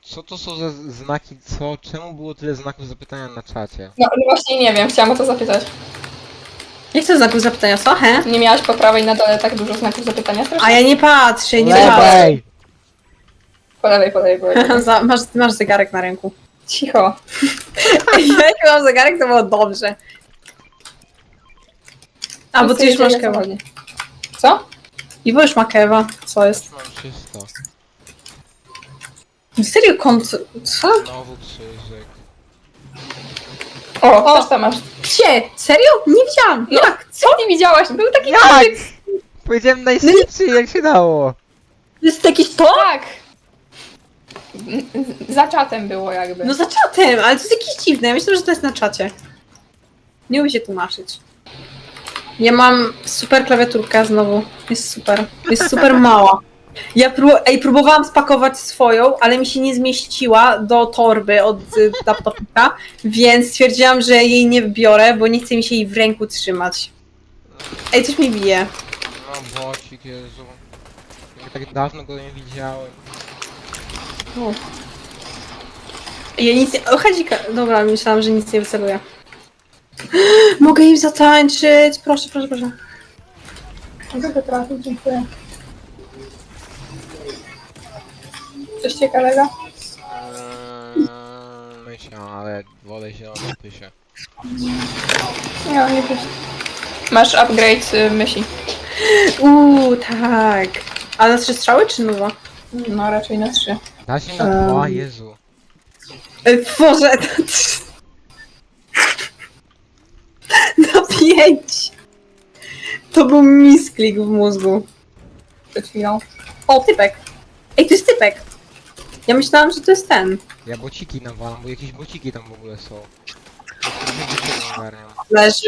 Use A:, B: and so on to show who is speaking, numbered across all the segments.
A: Co to są za znaki, co? Czemu było tyle znaków zapytania na czacie?
B: No właśnie nie wiem, chciałam o to zapytać.
C: Nie chcę znaków zapytania, co? He?
B: Nie miałaś po prawej na dole tak dużo znaków zapytania? Strasznie.
C: A ja nie patrzę, nie patrzę.
A: Lewej!
B: Po lewej, po lewej, po lewej.
C: masz zegarek na ręku.
B: Cicho.
C: Jak mam zegarek, to było dobrze. A, bo ty już masz kewa.
B: Co?
C: Iwo już ma kewa. Co jest?
A: Mam czysto.
C: Serio, co?
A: Znowu krzyżyk.
B: O, też tam masz.
C: Gdzie? Serio? Nie widziałam.
B: No,
C: Jak?
B: co nie widziałaś? Był taki
A: Jak?
B: krzyżyk.
A: Powiedziałem najszybciej, jak się dało.
C: To jest jakiś to?
B: Tak. Za czatem było jakby.
C: No za czatem, ale to jest jakieś dziwne. Ja myślę, że to jest na czacie. Nie umiem się tłumaczyć. Ja mam super klawiaturkę znowu. Jest super. Jest super mała. Ja próbowałam spakować swoją, ale mi się nie zmieściła do torby od laptopa, więc stwierdziłam, że jej nie biorę, bo nie chce mi się jej w ręku trzymać. Ej, coś mi bije.
A: No bocik, Jezu. Ja tak dawno go nie widziałem.
C: Ja nic nie... O, Hadzika. Dobra, myślałam, że nic nie wyceluję. Mogę im zatańczyć. Proszę, proszę, proszę.
B: Mogę trafić, dziękuję. Coś ciekawego?
A: Myślę, ale wolę zielone pysie.
B: Nie, nie wiesz. Masz upgrade myśli.
C: Tak. A na 3 strzały czy nowa?
B: No raczej na 3.
A: Da się na dwa, Jezu.
C: Boże, na 5. To był misklik w mózgu.
B: Przed chwilą.
C: O, typek. Ej, to jest typek. Ja myślałam, że to jest ten.
A: Ja bociki nawalam, bo jakieś bociki tam w ogóle są. Nie ogarniam.
C: Leży.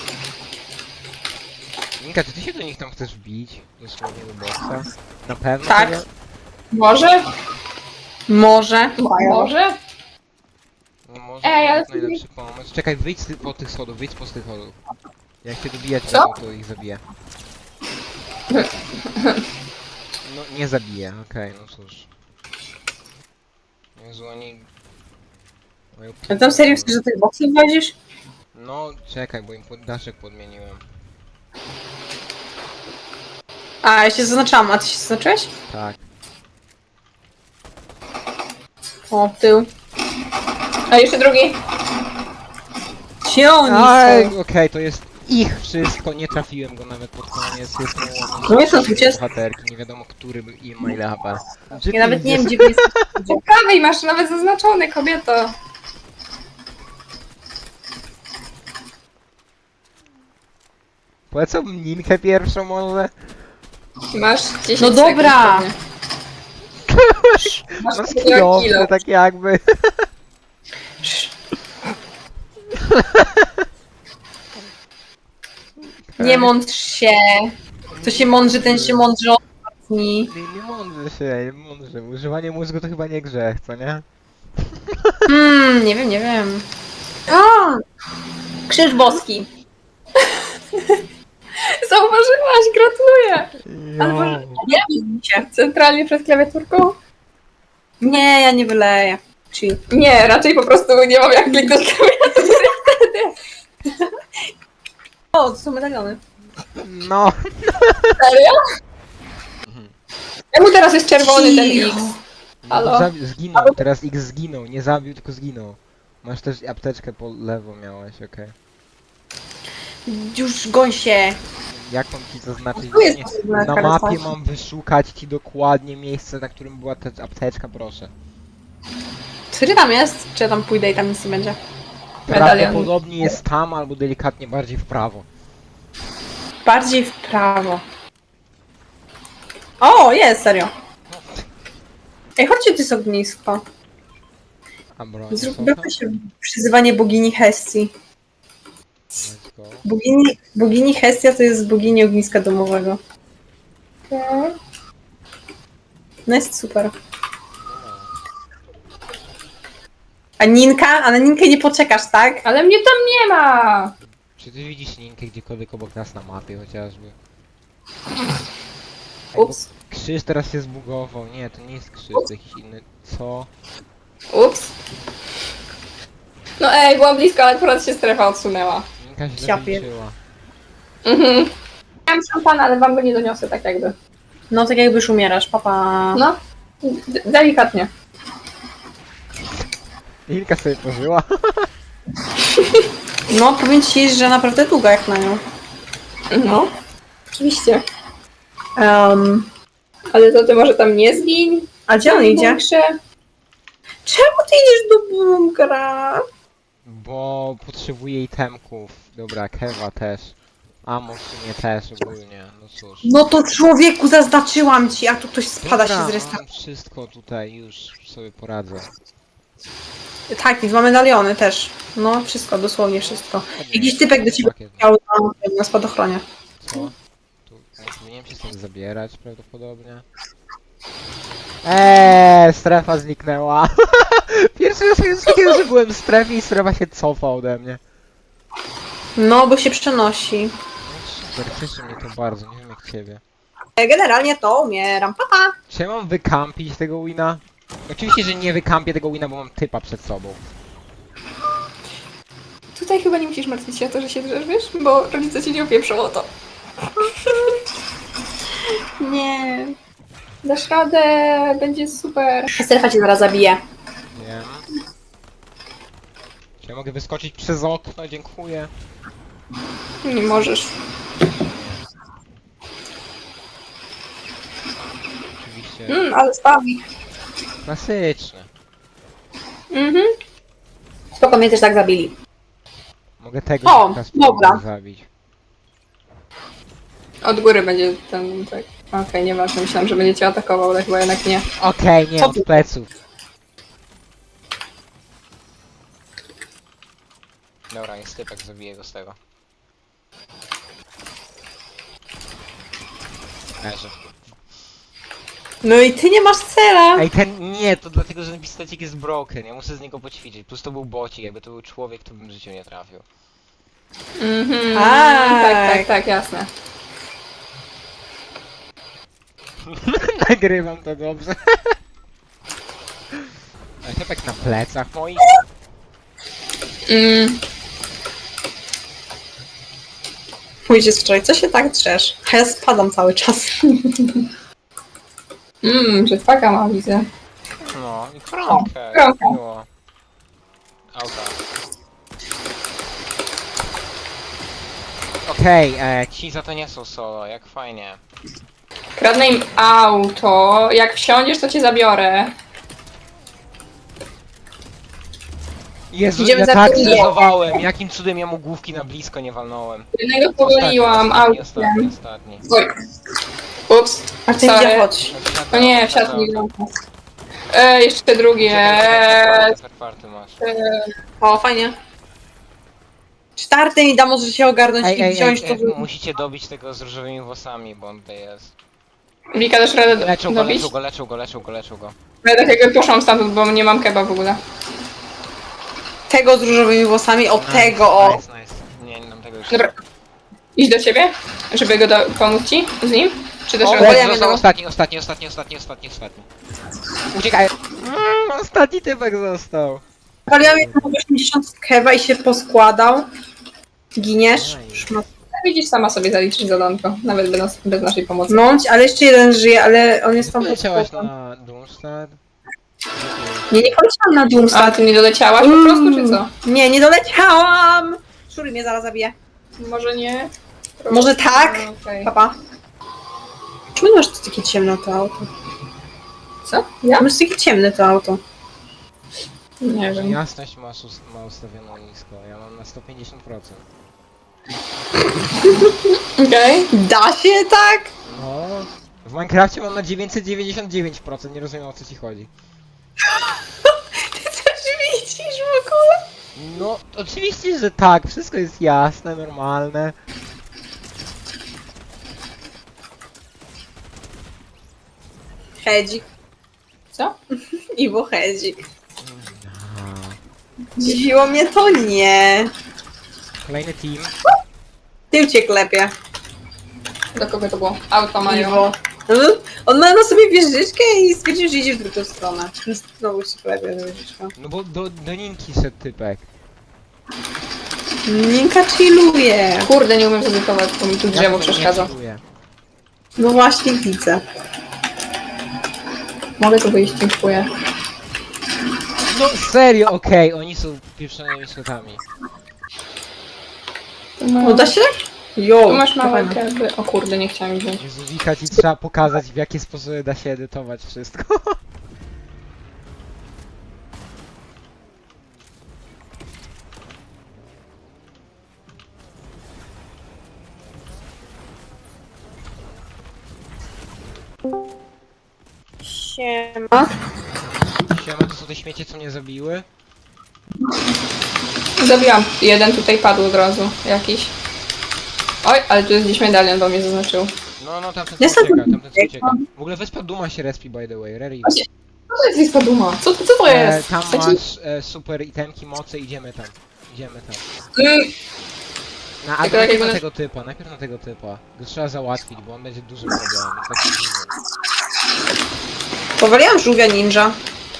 A: Minka, czy ty się do nich tam chcesz wbić? Dosłownie do boxa? Na pewno?
C: Tak.
A: Tego?
B: Może?
C: Może.
B: Może?
A: No może
B: Ej,
A: to
B: ale
A: jest najlepszy pomysł. Czekaj, wyjdź po tych schodów, wyjdź po tych schodów. Jak się dobijać
B: Co?
A: to ich zabiję. No nie zabiję, okej, no cóż. Jezu, oni... mają
C: A tam serio chcesz, że tych boksów wadzisz?
A: No czekaj, bo im daszek podmieniłem.
C: A, ja się zaznaczałam. A ty się zaznaczyłeś?
A: Tak.
C: O, w tył.
B: A jeszcze drugi.
C: Gdzie oni
A: Aj,
C: są?
A: okej, to jest ich wszystko, nie trafiłem go nawet pod koniec, jest
C: No jest to 20.
A: bohaterki, nie wiadomo który i ma ile HP.
C: Ja nawet nie wiem, gdzie wy jesteście.
B: Po prawej masz nawet zaznaczony, kobieto.
A: Polecam Ninkę pierwszą może?
B: Masz 10
C: No dobra.
B: sekund pewnie. Masz
A: No
B: kilo.
A: skillowce, tak jakby.
C: Nie mądrz się. Kto się mądrzy, ten się mądrzy ostatni.
A: Nie mądrze się, nie mądrze. Używanie mózgu to chyba nie grzech, co nie?
C: Nie wiem, nie wiem. A! Krzyż boski.
B: Zauważyłaś, gratuluję.
C: Albo nie się.
B: Centralnie przed klawiaturką?
C: Nie, ja nie wyleję. Chill.
B: Nie, raczej po prostu nie mam jak kliknąć klawiatury wtedy.
C: O, to są medaliony.
A: No.
B: Serio? Czemu teraz jest czerwony ten X? Halo?
A: Zginął, teraz X zginął, nie zabił, tylko zginął. Masz też apteczkę po lewo miałeś, okej.
C: Już goń się.
A: Jak mam ci zaznaczyć?
C: Tu jest
A: Nie,
C: potrzebna
A: na
C: karta.
A: mapie mam wyszukać ci dokładnie miejsce, na którym była ta apteczka, proszę.
C: Który tam jest? Czy ja tam pójdę i tam nic nie będzie?
B: Medalion.
A: Prawdopodobnie jest tam, albo delikatnie bardziej w prawo.
C: Bardziej w prawo. O, jest, serio. Ej, chodźcie, to jest ognisko.
A: A broń,
C: Zróbmy się przyzywanie bogini Hestii.
A: Let's go.
C: Bogini Hestia to jest bogini ogniska domowego. No jest super. A Ninka? A na Ninkę nie poczekasz, tak?
B: Ale mnie tam nie ma.
A: Czy ty widzisz linkę gdziekolwiek obok nas na mapie chociażby?
C: Ups.
A: Krzyż teraz się zbugował. Nie, to nie jest krzyż, to jakiś inny... Co?
B: Ups. No ej, byłam blisko, ale akurat się strefa odsunęła.
A: Minka źle
C: Ja pier-
A: wyliczyła.
B: Mhm. Miałam szampana, ale wam go nie doniosę, tak jakby.
C: No tak jakbyś umierasz, papa.
B: No, delikatnie.
A: Minka sobie pożyła.
C: No, powiem ci, że naprawdę długa jak na nią.
B: No, oczywiście.
C: Um,
B: Ale to ty może tam nie zgiń?
C: a gdzie on idzie?
B: Bunkrze?
C: Czemu ty idziesz do bunkra?
A: Bo potrzebuje itemków. Dobra, Kewa też. Amo w sumie też ogólnie, no cóż.
C: No to człowieku, zaznaczyłam ci, a tu ktoś spada się z
A: Dobra,
C: resta.
A: mam wszystko tutaj, już sobie poradzę.
C: Tak, i dwa medaliony też. No, wszystko, dosłownie wszystko. Jakiś typek do ciebie
A: Pakiet.
C: chciał na spadochronie.
A: Co? Tu nie powinienem się stąd zabierać prawdopodobnie. Strefa zniknęła. Pierwszy raz jest takiego, że byłem w strefie i strefa się cofa ode mnie.
C: No, bo się przenosi.
A: No super, cieszy mnie to bardzo, nie wiem jak ciebie.
C: Generalnie to umieram, papa.
A: Czy ja mam wykampić tego wina? Oczywiście, że nie wykampię tego wina, bo mam typa przed sobą.
B: Tutaj chyba nie musisz martwić się o to, że się drzesz, wiesz? Bo rodzice cię nie opieprzą o to.
C: Nie.
B: Dasz radę, będzie super.
C: Strefa cię zaraz zabije.
A: Wiem. Czy ja mogę wyskoczyć przez okno? Dziękuję.
B: Nie możesz.
A: Oczywiście.
B: Ale spawi.
A: Klasyczne.
B: Mhm.
C: Spoko, mnie też tak zabili.
A: Mogę tego
C: O,
A: teraz
C: dobra.
A: spróbować zabić.
B: Od góry będzie ten, tak. Okej, nieważne, myślałam, że będzie cię atakował, ale chyba jednak nie.
A: Okej, nie,
C: Co
A: od
C: ty?
A: pleców. Dobra, jest typek, zabiję go z tego. Leży.
C: No i ty nie masz cela.
A: Ej, ten nie, to dlatego, że ten pistolcik jest broken, ja muszę z niego poćwiczyć. Plus to był bocik, jakby to był człowiek, to bym w życiu nie trafił.
B: Mhm.
C: Tak.
B: Tak, jasne.
A: Nagrywam to dobrze. A typek na plecach moich.
C: Pójdziesz wczoraj, co się tak drzesz? A ja spadam cały czas.
B: Jetpacka ma, widzę.
A: No, i koronkę.
B: koronkę.
A: Miło. Auta. Okej, ci za to nie są solo, jak fajnie.
B: Kradnę im auto. Jak wsiądziesz, to cię zabiorę.
A: Jezu,
C: Idziemy
A: ja
C: za
A: tak
C: tym.
A: zrezowałem, jakim cudem ja mu główki na blisko nie walnąłem.
B: Jednego powoliłam
A: Ostatni.
B: autem. Oj. Ups.
C: A ty
B: Sorry.
C: gdzie chodź?
B: O nie, wsiadł mi w jeszcze drugie.
A: Czwarty masz.
C: O, fajnie. Czwarty mi da, może się ogarnąć
A: Ej,
C: i
A: ej,
C: wziąć
A: ej,
C: to.
A: musicie dobić tego z różowymi włosami, bo on tutaj jest.
B: Wika, dasz radę
A: Leczą go,
B: dobić?
A: leczą go.
B: Ja tak jakby poszłam stamtąd, bo nie mam keba w ogóle.
C: Tego z różowymi włosami, o
A: Nice,
C: tego, o.
A: Nice. Nie mam tego już.
B: Dobra. Idź do ciebie, żeby go pomóc ci z nim? Czy też
C: O,
B: radę?
C: ja
A: Został
C: miałem-
A: ostatni. Uciekaj! Ostatni typek został.
C: Paliłam jedną 80 kewa i się poskładał. Giniesz?
A: Nice.
C: Szmat.
B: Widzisz, sama sobie zaliczysz zadanko, nawet bez naszej pomocy.
C: No, ale jeszcze jeden żyje, ale on jest tam pod
A: Leciałaś
C: składem.
A: na Doomstad?
C: Nie poleciałam na
B: A
C: Doomstar.
B: ty nie doleciałaś po prostu, czy co?
C: Nie, nie doleciałam! Szuri mnie zaraz zabije.
B: Może nie?
C: Może tak?
B: Okej.
C: Papa. Czemu masz takie ciemne to auto?
B: Co? Ja?
C: Masz takie ciemne to auto.
B: Nie wiem.
A: Jasność ma ustawioną nisko, ja mam na 150%.
B: Okej.
C: Da się tak?
A: No, w Minecrafcie mam na 999%, nie rozumiem o co ci chodzi.
C: Ty coś widzisz w ogóle?
A: No, oczywiście, że tak, wszystko jest jasne, normalne.
C: Hedzik.
B: Co?
C: Iwo Hedzik. Dziwiło mnie to nie.
A: Kolejny team.
C: Tym cię klepie.
B: Do kogo to było? Auto mają.
C: Iwo. Od On ma na sobie wieżyczkę i stwierdził, że idzie w drugą stronę. Więc znowu się pojawia ta wieżyczka.
A: No bo do Ninki szedł typek.
C: Ninka chilluje.
B: Kurde, nie umiem zedytować, bo mi tu
A: Jak
B: drzewo
A: to
B: przeszkadza.
A: nie czuję?
C: No właśnie widzę.
B: Mogę tu wyjść, dziękuję.
A: No serio, okej, oni są pieprzonymi szkotami.
B: No,
C: Uda się? Jo,
B: tu masz małe
C: fajne.
B: gęby. O kurde, nie chciałam ich wziąć.
A: Jezu, Wika, ci trzeba pokazać, w jakie sposoby da się edytować wszystko.
C: Siema.
A: Siema, to są te śmiecie, co mnie zabiły?
B: Zabiłam. Jeden tutaj padł od razu. Jakiś. Oj, ale tu jest gdzieś medalion, bo mnie zaznaczył.
A: No, tamten
C: Ja
A: co
C: sam
A: ucieka, tamten co
C: uciekam.
A: ucieka. W ogóle wyspa Duma się respi, by the way, Rary.
B: Co to jest wyspa Duma? Co to jest?
A: Tam
B: Taki-
A: masz super itemki, mocy, idziemy tam. Idziemy tam. No, a
B: Tylko jak
A: najpierw na
B: będę-
A: tego typa, najpierw na tego typa. Go trzeba załatwić, bo on będzie dużym problemem. Taki duży.
C: Powaliłam żółwia ninja.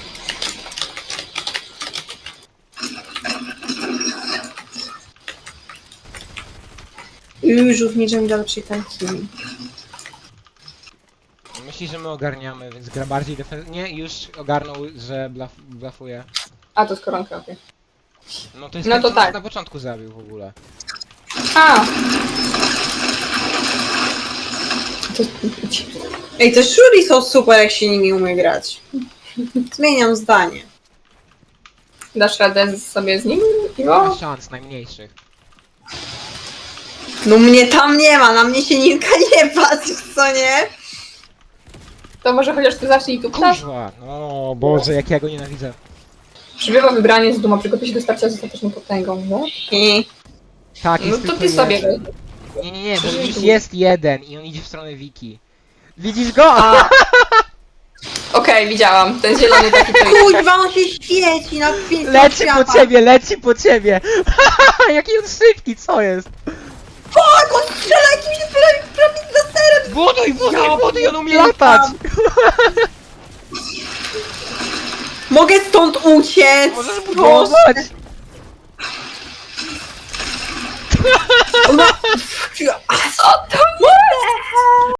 C: Żółw ninja mi da lepszej tanki.
A: Myśli, że my ogarniamy, więc gra bardziej defensywnie. Nie, już ogarnął, że blafuje.
B: A, to jest koronka, okej.
A: No to jest
B: No
A: ten,
B: to
A: co nas
B: tak.
A: na początku zabił w ogóle.
B: A! To...
C: Ej, te shuri są super, jak się nimi umie grać. Zmieniam zdanie.
B: Dasz radę sobie z nim,
A: Nie
B: Iwo?
A: ma szans, najmniejszych.
C: No mnie tam nie ma, na mnie się Ninka nie patrzy, co nie?
B: To może chociaż ty zacznij tu ptać?
A: Kurwa! No Boże, jak ja go nienawidzę.
B: Przybywa wybranie z Duma, przygotuj się do starcia z ostateczną potęgą, no?
C: I
A: Tak,
B: No
A: jest
B: to
A: tylko
B: ty sobie
A: jeden.
B: weź.
A: Nie, bo
B: Przyjdzie
A: już
B: tu.
A: jest jeden i on idzie w stronę Wiki. Widzisz go?
B: A! Okej, widziałam. Ten zielony taki to jest.
C: kuźwa, on się świeci na pięć
A: Leci po ciebie, leci po ciebie! Jaki on szybki, co jest?
C: Tak, on strzela jakimś prawie laserem!
A: Buduj, on umie latać!
C: Mogę stąd uciec!
A: Możesz
C: Proszę.
A: budować!
C: No,
B: Co to?